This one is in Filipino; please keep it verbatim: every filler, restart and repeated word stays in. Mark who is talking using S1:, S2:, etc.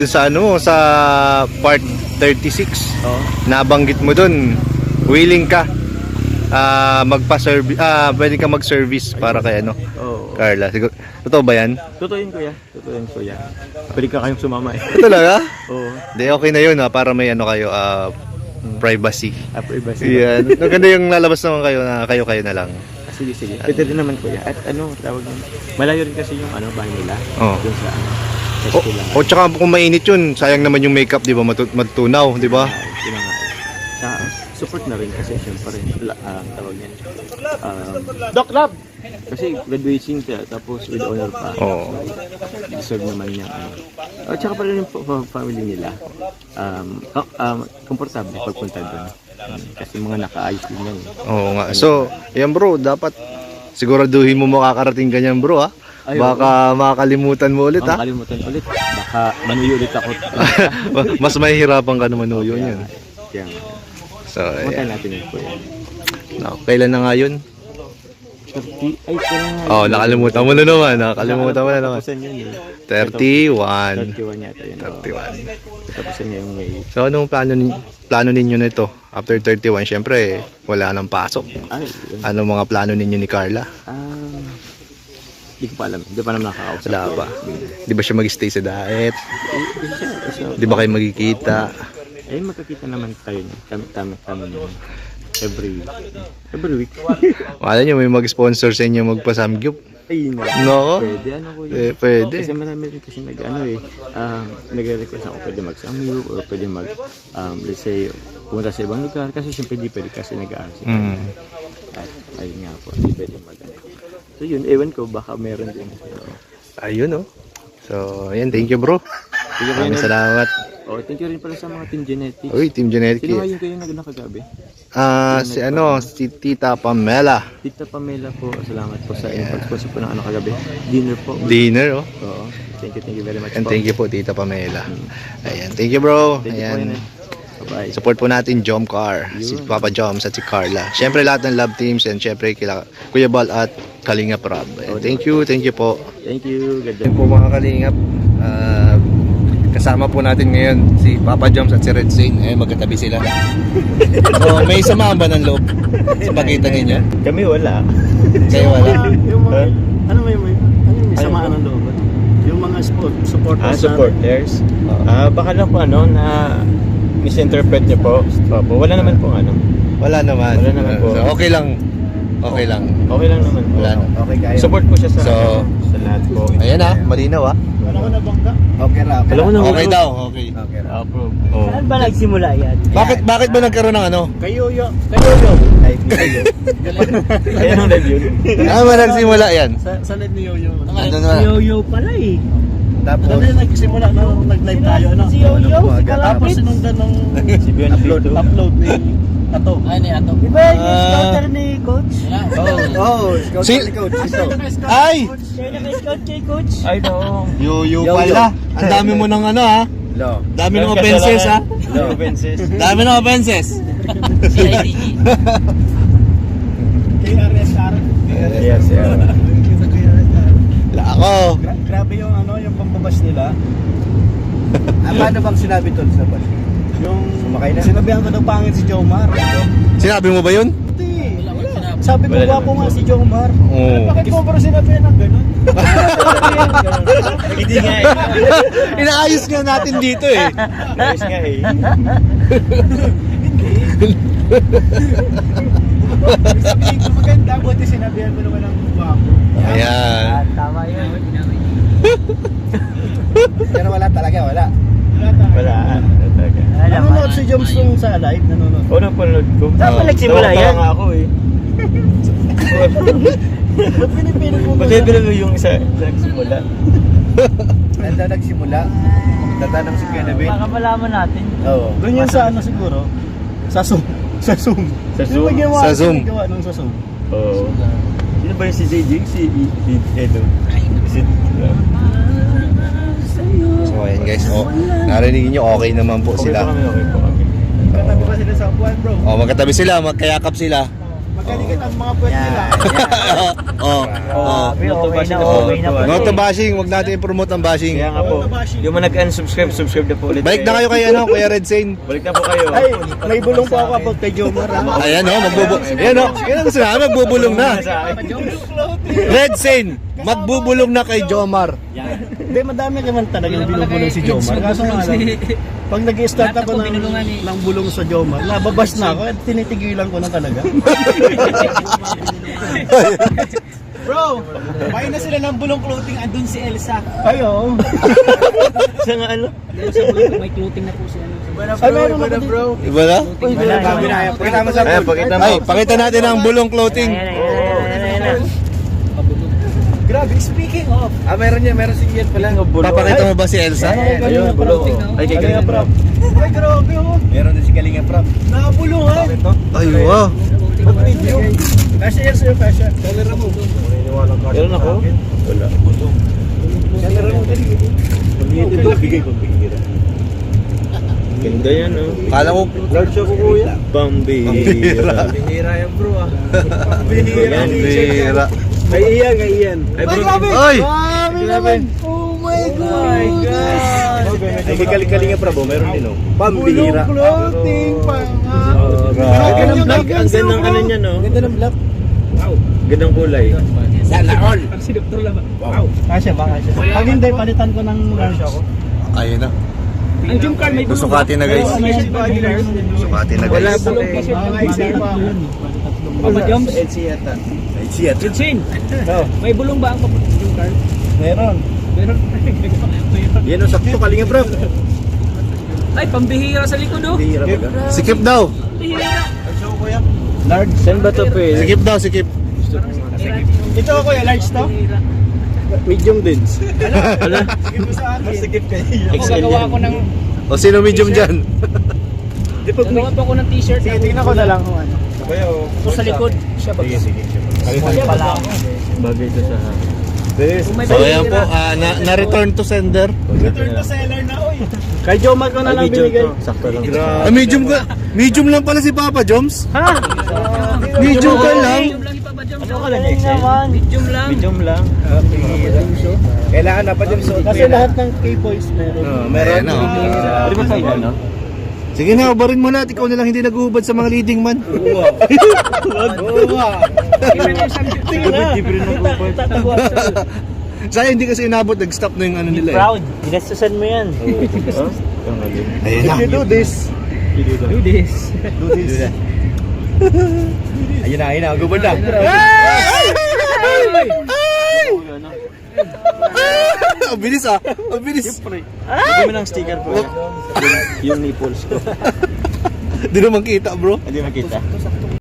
S1: Sa ano, sa part thirty-six,
S2: Oo.
S1: nabanggit mo dun, willing ka ah magpa-service, ah pwede ka mag-service para kay ano,
S2: Oo.
S1: Carla. Siguro, totoo ba yan?
S2: Totoo yun, kuya. Totoo yun, kuya. Pwede ka kayong sumama eh.
S1: Talaga?
S2: Oo.
S1: Di, okay na yun ha, para may ano kayo, ah privacy.
S2: After iba sila.
S1: Yan. Maganda yung lalabas naman kayo na kayo-kayo na lang.
S2: Ah, sige, sige. Pwede rin naman, kuya. At ano, tawag yun. Malayo rin kasi yung ano, bahay nila.
S1: Oo.
S2: Yung sa ano. Sa
S1: O,
S2: eskwela.
S1: o tsaka kung mainit yun, sayang naman yung makeup, di ba? Matu- matutunaw, di ba?
S2: Ah, yun na nga. Sa support na rin kasi syempre uh, tawag yan. Um, Doc Lab! Kasi graduating siya tapos with honor pa.
S1: Oo.
S2: So, deserve naman niya. Ano. At saka pa rin yung fa- family nila. Um, com- um, komportable pagpunta doon. Um, kasi mga nakaayos din yan. eh.
S1: Oo nga. So, yan bro, dapat siguraduhin mo makakarating ganyan bro ha.
S2: Ay,
S1: Baka makakalimutan mo ulit
S2: Ang
S1: ha.
S2: kalimutan ulit. Baka manuyo ulit ako.
S1: Mas mahihirapan ka naman manuyo
S2: Kaya-
S1: yun.
S2: Kaya,
S1: So,
S2: punta
S1: ayan.
S2: natin yun po yan.
S1: No, kailan na nga yun?
S2: thirty, ay, kaya nga.
S1: Oh, nakalimutan mo na naman. Nakalimutan mo na naman.
S2: Tapusan yun eh.
S1: thirty-one.
S2: thirty-one yata yun.
S1: thirty-one.
S2: Tapusan niya yung May.
S1: So, anong plano, ni- plano ninyo nito? After thirty-one, syempre, wala nang pasok.
S2: Ay, yun.
S1: Anong mga plano ninyo ni Carla?
S2: Ah, di ko pa alam. Di pa naman nakakausap.
S1: Wala pa. Di ba siya mag-stay sa diet?
S2: Eh, di siya. So,
S1: Di ba kayo magkikita?
S2: eh, magkakita naman tayo niya. Kami, kami, kami naman. Every week. Every week.
S1: Wala nyo, may mag-sponsor sa inyo magpa-samgyup.
S2: Ay, no.
S1: No?
S2: Pwede, ano ko yun.
S1: Eh, pwede.
S2: Kasi marami rin kasi nag, ano eh, um, nag-request ako pwede mag-samyu or pwede mag, um, let's say, pumunta sa ibang lugar. Kasi siyempre di pwede kasi nag-aaral si
S1: Mm.
S2: At ayun nga po, di pwede mag So yun, ewan ko, baka meron din. So,
S1: Ayun oh. So, ayan, thank you bro.
S2: Thank you,
S1: Maraming
S2: Kuya Nel.
S1: salamat.
S2: Oh, thank you rin pala sa mga Team Genetics.
S1: Uy, Team Genetic.
S2: Sino nga yung kayo nag nakagabi?
S1: Ah, si ano, si Tita Pamela.
S2: Tita Pamela po, salamat po sa inyong pag-sponsor po ng ano kagabi. Dinner po.
S1: Dinner oh.
S2: Oo. Thank you, thank you very much
S1: And
S2: po.
S1: thank you po Tita Pamela. Ayan, thank you bro.
S2: Thank you po,
S1: Ayan.
S2: Kuya Nel. Bye-bye.
S1: Support po natin Jom Car, si
S2: Yun.
S1: Papa Joms at si Carla. Siyempre lahat ng love teams and siyempre kila Kuya Bal at Kalingap Rob. Ayan, thank you, thank you po.
S2: Thank you. God
S1: Ayan po mga Kalingap. Ah, kasama po natin ngayon si Papa Joms at si Red Zane. Eh, magkatabi sila. So, may samahan ba ng loob sa pakita ninyo?
S2: Kami wala.
S1: Kayo wala.
S3: Yung mga,
S2: Huh?
S3: ano may, may, ano may
S2: Ano
S3: samaan ng loob? Yung mga support, supporters
S2: Ah,
S3: natin.
S2: supporters. Ah, baka lang po ano na misinterpret niyo po. Opo, wala naman po ano.
S1: Wala naman.
S2: Wala naman po.
S1: So, okay lang. Okay lang.
S2: Okay lang naman po.
S1: Wala na.
S3: Okay kayo.
S2: Support po siya sa
S1: So,
S2: sa lahat po.
S1: Ayan ah, malinaw ah.
S3: Ano ko nabangga? Okay ra, okay
S2: Alam mo
S3: ra.
S2: na
S1: Okay daw, okay.
S3: Okay ra.
S2: Approve.
S1: Oh.
S4: Saan ba nagsimula yan?
S1: Bakit bakit ba nagkaroon ng ano?
S3: Kayo yo, kayo yo.
S2: Live ni Yoyo. Ayan ang live yun.
S1: Ah, ba nagsimula yan?
S3: Sa, sa live ni Yoyo.
S1: Ano
S4: Si
S1: na?
S4: Yoyo pala eh.
S1: Tapos
S3: Ano yung nagsimula nung nag-live tayo, ano?
S4: Si Yoyo, si
S3: Tapos
S4: Kalapit.
S3: sinundan nung
S2: Si Bion
S3: upload,
S2: Vito.
S3: upload ni Ato.
S4: Ay, ni Ato. Di ba yung
S1: Ah.
S4: scouter ni Coach?
S2: Oh.
S3: Oh, scout
S1: Si-
S3: ni Coach. Ito.
S1: Ay!
S4: Siya yung naka-scout kay Coach.
S2: Ay no.
S1: Yoyo
S3: Yo-yo.
S1: pala. Ang dami mo ng ano ha?
S3: Lo.
S1: Dami ng offenses ha?
S2: No offenses.
S1: Dami ng offenses.
S4: Si I D G.
S3: K R S R.
S2: Yes, yeah.
S1: La ako.
S3: Gra- grabe yung ano, yung pambabas nila. Ah, paano bang sinabi tol sa bus? Yung sumakay na. Sinabihan ko daw pangit si Jomar.
S1: Sinabi mo ba yun?
S3: Hindi. Sabi ko
S2: Wala
S3: gwapo
S2: naman.
S3: nga si Jomar.
S1: Oo.
S3: Bakit mo pero sinabihan ng ganun?
S2: Hindi nga eh.
S1: Inaayos nga natin dito eh.
S2: Ayos nga eh.
S3: Sabihin ko maganda, buti sinabihan ko naman ng gwapo.
S1: Ayan.
S4: Ah, tama yun.
S3: Pero wala talaga, wala.
S2: Wala. Talaga.
S3: Nanonood si Joms nung sa live, nanonood.
S2: Oo, napanood ko.
S4: Saan ba nagsimula
S2: Tawa-tawa
S4: yan?
S2: nga ako eh.
S3: Ba't pinipilit mo
S2: Pati pero yung isa sa nagsimula.
S3: Nanda nagsimula. Tatanong si Kuya David.
S4: Baka malaman natin.
S3: Oo. Doon yun sa ano siguro? Sa Zoom. Sa Zoom.
S2: Sa
S3: Sino ba
S2: Zoom?
S3: ginawa?
S1: Sa
S3: Sino
S1: Zoom.
S3: gawa nung sa Zoom?
S2: Oo. Sino ba yung si J J? Si Edo? Si
S1: So ayan guys. Oh, narinig niyo okay naman po
S2: Okay
S1: sila.
S2: po kami, okay po kami.
S3: Katabi pa sila sa upuan bro.
S1: Oh, magkatabi sila, magkayakap sila.
S3: Magaling ang mga puwet nila.
S1: Oh, oh.
S2: Not to
S4: okay
S2: bashing
S4: na,
S2: na po.
S4: okay na po.
S1: Not to bashing, wag natin i-promote ang bashing.
S2: Kaya nga po, yung mga nag-unsubscribe, subscribe na po ulit.
S1: Balik na kayo kay ano, Kuya Red Sane.
S2: Balik na po kayo.
S3: Ay, may bulong po ako about kay Jomar. ha?
S1: Ayan oh, magbubu... Ayan oh, yan ang gusto namin, magbubulong na. Red Sane, magbubulong na kay Jomar.
S3: Hindi, madami naman talagang binubulong si Jomar. Kaso nga lang, pag nag-start ako ng, ng bulong sa Jomar, nababas na ako at tinitigilan ko na talaga.
S5: Bro, buy na sila ng bulong clothing, andun si Elsa.
S3: Ay, oo.
S2: Sa nga ano?
S4: May clothing na po siya.
S3: Ay, meron ako din.
S5: bro.
S1: Iba na?
S3: Pakita mo sa
S2: Ayan, pakita mo.
S1: Ay, pakita natin ang bulong clothing.
S4: Ayan, ayan, ayan, ayan, ayan.
S5: Grabe, speaking of. Ah, meron yan, meron si Ian pala.
S1: Papakita mo ba si Elsa?
S2: Ayun, bulong. Ay, kay
S3: Kalinga Prab.
S5: Ay, grabe oh.
S3: Meron din si Kalinga Prab.
S5: Nakabulungan.
S1: Ay, wow.
S3: Kasi yan sa'yo, Kasha.
S5: Kalera mo.
S2: Meron ako? Wala.
S3: Kalera mo din.
S2: Bigay ko, bigay Ganda yan, oh.
S1: Kala ko,
S3: Large ako, kuya.
S2: Pambihira.
S5: Bihira yan bro ah.
S2: Yan,
S1: bira.
S3: Kay Ian, kay Ian.
S2: Ay, bro.
S1: Ay!
S3: Grabe naman. Oh my God. Ay, kay Kal- Kalinga Prab, oh, meron din, oh. Pambihira. Clothing,
S2: Ang gandang black, ang gandang ano niya, no?
S3: Ganda ng black.
S2: Gandang kulay.
S3: Kasha ba, Kasha? Pag hindi, palitan ko ng large ako.
S1: Ayun na.
S4: Ang jump card may
S1: Susukatin na guys. Susukatin na
S2: Wala
S1: guys.
S2: po eh.
S4: Papa Joms.
S3: Siyata. Siyata.
S4: Eugene,
S3: Oh,
S4: may bulong ba ang jump card?
S3: meron.
S4: Meron.
S3: Yan ang sakto, Kalinga Prab.
S4: Ay, pambihira sa likod oh.
S3: Bihira ba?
S1: Sikip daw.
S4: Pambihira.
S3: Large.
S2: Saan ba ito, Pe?
S1: Sikip daw, sikip.
S3: Ito ako, kuya, large to? Medium din.
S2: Ala?
S3: Masikip kayo.
S4: Ako gagawa ko ng
S1: O sino medium dyan?
S4: gagawa pa ako ng t-shirt.
S3: Sige, tingnan ko na lang kung ano.
S4: Ako sa likod. Siya ba?
S3: Sige, sige.
S4: Siya pala ako.
S2: Bagay ito sa...
S4: Kung may
S1: So ayan po, ah, na, na return to sender.
S3: Return to seller na, oy. Kay Jomar ko na lang
S2: Video
S3: binigay.
S2: to. Sakto lang.
S1: Ah, medium ka. Medium lang pala si Papa Joms.
S3: Ha?
S1: Medium ka lang.
S4: Medium lang ipa ba Joms?
S3: Ano ka lang, naman.
S4: Medium lang.
S2: Medium lang.
S3: Kailangan na pa din suot. Kasi lahat ng K-boys meron.
S1: Oh, meron. Ayan, oh.
S2: Pwede ba tayo, no?
S1: Sige na, ubarin mo na. Ikaw na lang hindi naguhubad sa mga leading man.
S3: Oo.
S2: Sige na. Libre na po.
S1: Sayang hindi kasi inabot. Nag-stop na yung ano nila eh.
S4: Proud. Ginastusan mo yan.
S1: Ayun na.
S3: If you do this,
S4: Do this.
S3: do this. Ayun na, ayun na. Gubad na.
S1: Ang bilis ah. Ang bilis.
S2: Bigyan mo ng sticker po. Yung nipples ko.
S1: Di naman kita bro.
S2: Hindi makita.